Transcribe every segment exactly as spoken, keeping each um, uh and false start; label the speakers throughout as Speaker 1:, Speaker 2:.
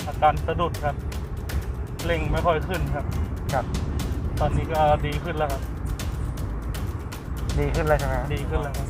Speaker 1: อาการสะดุดครับเร่งไม่ค่อยขึ้นครับ
Speaker 2: ครับ
Speaker 1: ตอนนี้ก็ดีขึ้นแล้วครับ
Speaker 2: ดีขึ้นเลยใช่ไหม
Speaker 1: ดีขึ้นแล้วครับ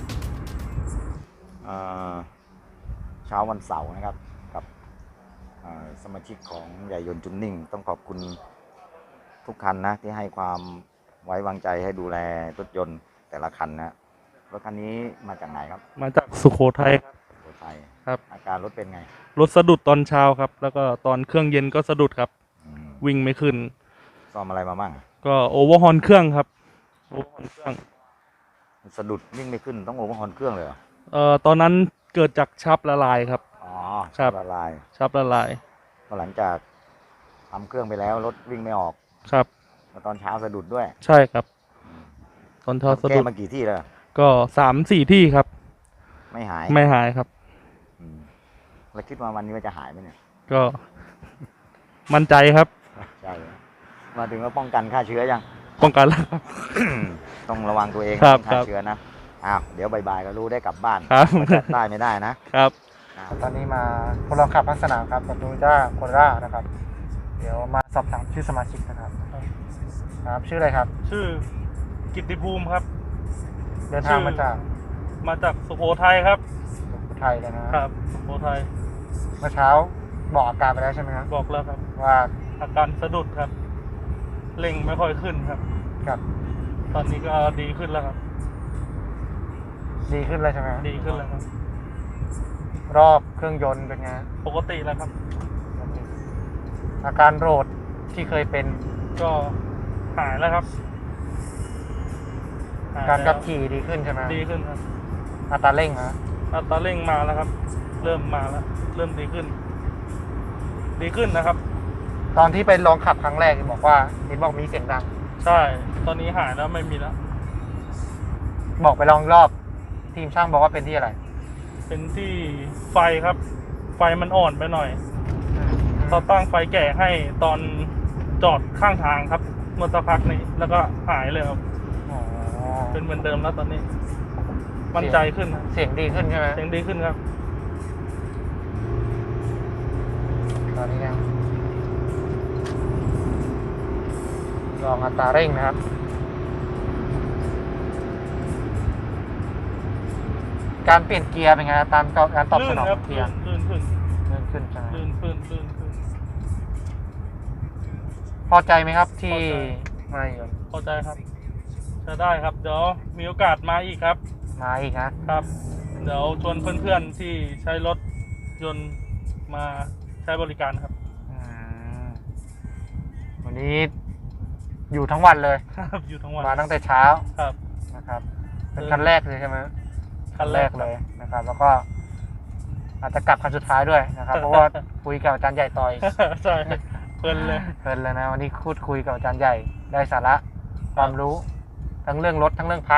Speaker 3: เช้าวันเสาร์นะครับกับสมาชิกของใหญ่ยนต์จุนนิ่งต้องขอบคุณทุกคันนะที่ให้ความไว้วางใจให้ดูแลรถยนต์แต่ละคันนะรถคันนี้มาจากไหนครับ
Speaker 1: มาจากสุโขทัยครับ
Speaker 3: สุโขทัย
Speaker 1: ครับ
Speaker 3: อาการรถเป็นไง
Speaker 1: รถสะดุดตอนเช้าครับแล้วก็ตอนเครื่องเย็นก็สะดุดครับวิ่งไม่ขึ้น
Speaker 3: ซ่อมอะไรมาบ้าง
Speaker 1: ก็โอเวอร์ฮอนเครื่องครับโอเวอร์ฮอนเครื่อง
Speaker 3: สะดุดวิ่งไม่ขึ้นต้องโอเวอร์ฮอนเครื่องเลยเหรอ
Speaker 1: เอ่อตอนนั้นเกิดจากชับละลายครับ
Speaker 3: อ๋อ
Speaker 1: ชับ
Speaker 3: ละลาย
Speaker 1: ชับละลาย
Speaker 3: ก็หลังจากทำเครื่องไปแล้วรถวิ่งไม่ออก
Speaker 1: ครับ
Speaker 3: ตอนเช้าสะดุดด้วย
Speaker 1: ใช่ครับตอนเช้าสะดุด
Speaker 3: แก้มากี่ที่แล้ว
Speaker 1: ก็สามสี่ที่ครับ
Speaker 3: ไม่หาย
Speaker 1: ไม่หายครับ
Speaker 3: แล้วคิดว่าวันนี้มันจะหายไหมเนี่ย
Speaker 1: ก็มั่นใจครับ
Speaker 3: ใช่มาถึงว่าป้องกันฆ่าเชื้อยัง
Speaker 1: ป้องกันแล้วครับ
Speaker 3: ต้องระวังตัวเอง
Speaker 1: ฆ่า
Speaker 3: เชื้อนะอ้าวเดี๋ยวบ่ายๆก็รู้ได้กลับบ้าน
Speaker 1: ครับ
Speaker 3: ได้ไม่ได้นะครับ
Speaker 2: ตอนนี้มาทดลองขับพักสนามครับกับโตโยต้าโคโรล่านะครับเดี๋ยวมาสอบถามชื่อสมาชิกนะครับครับชื่ออะไรครับ
Speaker 1: ชื่อกิตติภูมิครับ
Speaker 2: เดินทางมาจาก
Speaker 1: มาจากสุโขทัยครับ
Speaker 2: สุโขทัยเลยนะครับ
Speaker 1: สุโขทัย
Speaker 2: เมื่อเช้าบอกอาการไปแล้วใช่ไหมครับ
Speaker 1: บอกแล้วครับ
Speaker 2: ว่า
Speaker 1: อาการสะดุดครับเร่งไม่ค่อยขึ้นครับ
Speaker 2: ครับ
Speaker 1: ตอนนี้ก็ดีขึ้นแล้วครับ
Speaker 2: ดีขึ้นเลยใช่ไหม
Speaker 1: ดีขึ้นแล้วครับ
Speaker 2: รอบเครื่องยนต์เป็นไง
Speaker 1: ปกติแล้วครับ
Speaker 2: อาการโรดที่เคยเป็น
Speaker 1: ก็หายแล้วครับ
Speaker 2: การขับขี่ดีขึ้นใช่ไหม
Speaker 1: ดีขึ้นครับ
Speaker 2: อัตราเร่งนะ
Speaker 1: อัตราเร่งมาแล้วครับเริ่มมาแล้วเริ่มดีขึ้นดีขึ้นนะครับ
Speaker 2: ตอนที่ไปลองขับครั้งแรกบอกว่าเห็นบอกมีเสียงดัง
Speaker 1: ใช่ตอนนี้หายแล้วไม่มีแล้ว
Speaker 2: บอกไปลองรอบทีมช่างบอกว่าเป็นที่อะไร
Speaker 1: เป็นที่ไฟครับไฟมันอ่อนไปหน่อยเราตั้งไฟแก่ให้ตอนจอดข้างทางครับเมื่อสักพักนี้แล้วก็หายเลยครับเป็นเหมือนเดิมแล้วตอนนี้มั่นใจขึ้น
Speaker 2: เสียงดีขึ้นใช่ไหม
Speaker 1: เสียงดีขึ้นครับ
Speaker 2: ตอนนี้นะลองอัตราเร่งนะครับการเปลี่ยนเกียร์เป็นไงตามการตอบสนองเกียร์
Speaker 1: ลื่นขึ้น
Speaker 2: ลื่นขึ้นใช่ไหม
Speaker 1: ลื่นขึ้นลื่นขึ้น
Speaker 2: พอใจไหมครับที่มาอยู่
Speaker 1: พอใจครับจะได้ครับเดี๋ยวมีโอกาสมาอีกครับ
Speaker 2: มาอีกนะครับ
Speaker 1: เดี๋ยวชวนเพื่อนๆที่ใช้รถยนต์มาใช้บริการครับ
Speaker 2: วันนี้อยู่ทั้งวันเลย
Speaker 1: ครับอยู่ทั้งวัน
Speaker 2: มาตั้งแต่เช้า
Speaker 1: ครับ
Speaker 2: นะครับเป็นคันแรกเลยใช่ไหม
Speaker 1: คันแรก
Speaker 2: เลยนะครับแล้วก็อาจจะกลับคันสุดท้ายด้วยนะครับเพราะว่าคุยกับอาจารย์ใหญ่ต่อย
Speaker 1: ใช่เพลินเลย
Speaker 2: เพลินเลยนะวันนี้พูดคุยกับอาจารย์ใหญ่ได้สาระความรู้ทั้งเรื่องรถทั้งเรื่องพระ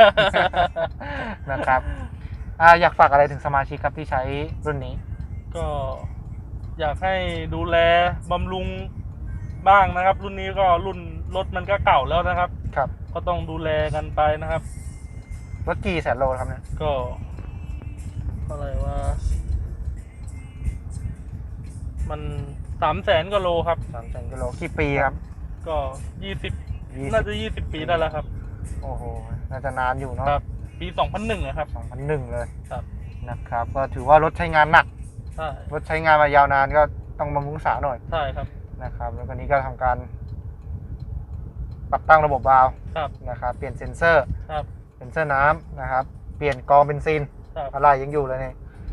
Speaker 2: นะครับอยากฝากอะไรถึงสมาชิกครับที่ใช้รุ่นนี้
Speaker 1: ก็อยากให้ดูแลบำรุงบ้างนะครับรุ่นนี้ก็รุ่นรถมันก็เก่าแล้วนะครับ
Speaker 2: ครับ
Speaker 1: ก็ต้องดูแลกันไปนะครับ
Speaker 2: รถกี่แสนโลครับเนี่ย
Speaker 1: ก็อะไรว่ามันสามแสนกิโลครับ
Speaker 2: สามแสนกิโลกี่ปีครับ
Speaker 1: ก็ยี่สิบน่าจะยี่สิบปีได้แล้วครับ
Speaker 2: โอ้โหน่าจะนานอยู่เนาะ
Speaker 1: ครับปีสองพันหนึ่งครับ
Speaker 2: สองพันหนึ่งเลย
Speaker 1: ครับ
Speaker 2: นะครับก็ถือว่ารถใช้งานหนัก
Speaker 1: ใช่
Speaker 2: รถใช้งานมายาวนานก็ต้องบำรุงรักษาหน่อย
Speaker 1: ใช่ครับ
Speaker 2: นะครับแล้วก็นี้ก็ทำการปรับตั้งระบบวาล์วนะครับเปลี่ยนเซ็นเซอร์เซ็นเซอร์น้ำนะครับเปลี่ยนกรองเบนซินอะไรยังอยู่เลยเนี่ย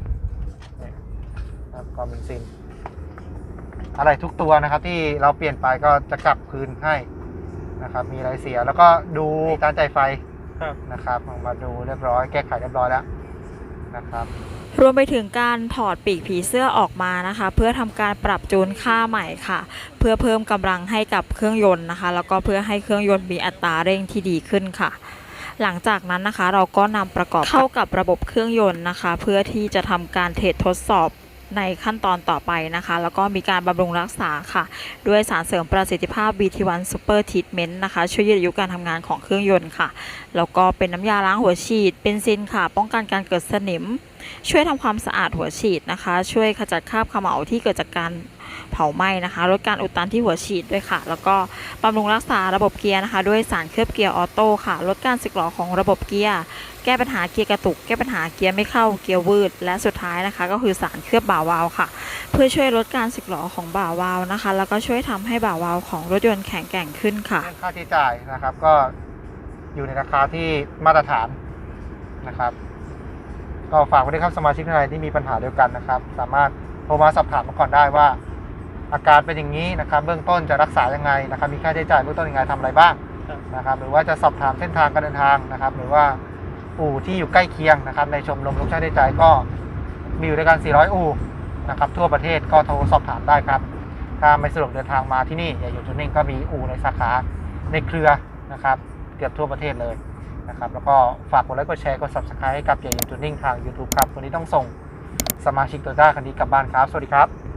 Speaker 2: กรองเบนซินอะไรทุกตัวนะครับที่เราเปลี่ยนไปก็จะกลับคืนให้นะครับมีอะไรเสียแล้วก็ดูการจ่ายไฟนะครับมาดูเรียบร้อยแก้ไขเรียบร้อยแล้วนะครับ
Speaker 4: รวมไปถึงการถอดปีกผีเสื้อออกมานะคะเพื่อทำการปรับจูนค่าใหม่ค่ะเพื่อเพิ่มกำลังให้กับเครื่องยนต์นะคะแล้วก็เพื่อให้เครื่องยนต์มีอัตราเร่งที่ดีขึ้นค่ะหลังจากนั้นนะคะเราก็นำประกอบเข้ากับระบบเครื่องยนต์นะคะเพื่อที่จะทำการเทสทดสอบในขั้นตอนต่อไปนะคะแล้วก็มีการบำรุงรักษาค่ะด้วยสารเสริมประสิทธิภาพ บี ที วัน Super Treatment นะคะช่วยยืดอายุการทำงานของเครื่องยนต์ค่ะแล้วก็เป็นน้ำยาล้างหัวฉีดเบนซินค่ะป้องกันการเกิดสนิมช่วยทำความสะอาดหัวฉีดนะคะช่วยขจัดคราบเขม่าที่เกิดจากการเผาไหม้นะคะลดการอุดตันที่หัวฉีดด้วยค่ะแล้วก็บำรุงรักษาระบบเกียร์นะคะด้วยสารเคลือบเกียร์ออโต้ค่ะลดการสึกหรอของระบบเกียร์แก้ปัญหาเกียร์กระตุกแก้ปัญหาเกียร์ไม่เข้าเกียร์วืดและสุดท้ายนะคะก็คือสารเคลือบบ่าวาล์วค่ะเพื่อช่วยลดการสึกหรอของบ่าวาล์วนะคะแล้วก็ช่วยทำให้บ่าวาล์วของรถยนต์แข็งแกร่งขึ้นค่ะ
Speaker 2: เรื่องค่าใช้จ่ายนะครับก็อยู่ในราคาที่มาตรฐานนะครับก็ฝากไว้ด้วยครับสมาชิกท่านใดที่มีปัญหาเดียวกันนะครับสามารถโทรมาสอบถามมาก่อนได้ว่าอาการเป็นอย่างนี้นะครับเบื้องต้นจะรักษายังไงนะครับมีค่าใช้จ่ายเบื้องต้นยังไงทำอะไรบ้างนะครับหรือว่าจะสอบถามเส้นทางการเดินทางนะครับหรือว่าอู่ที่อยู่ใกล้เคียงนะครับในชมรมลูกช่างได้ใจก็มีอยู่ด้วยกันสี่ร้อยอู่นะครับทั่วประเทศก็โทรสอบถามได้ครับถ้าไม่สะดวกเดินทางมาที่นี่อย่าอยู่จุดนิ่งก็มีอู่ในสาขาในเครือนะครับเกือบทั่วประเทศเลยนะครับแล้วก็ฝากกดไลค์กดแชร์กด ซับสไครบ์ ให้กับอย่าอยู่จุดนิ่งทาง ยูทูบ ครับวันนี้ต้องส่งสมาชิกโตโยต้าคันนี้กลับบ้านครับสวัสดีครับ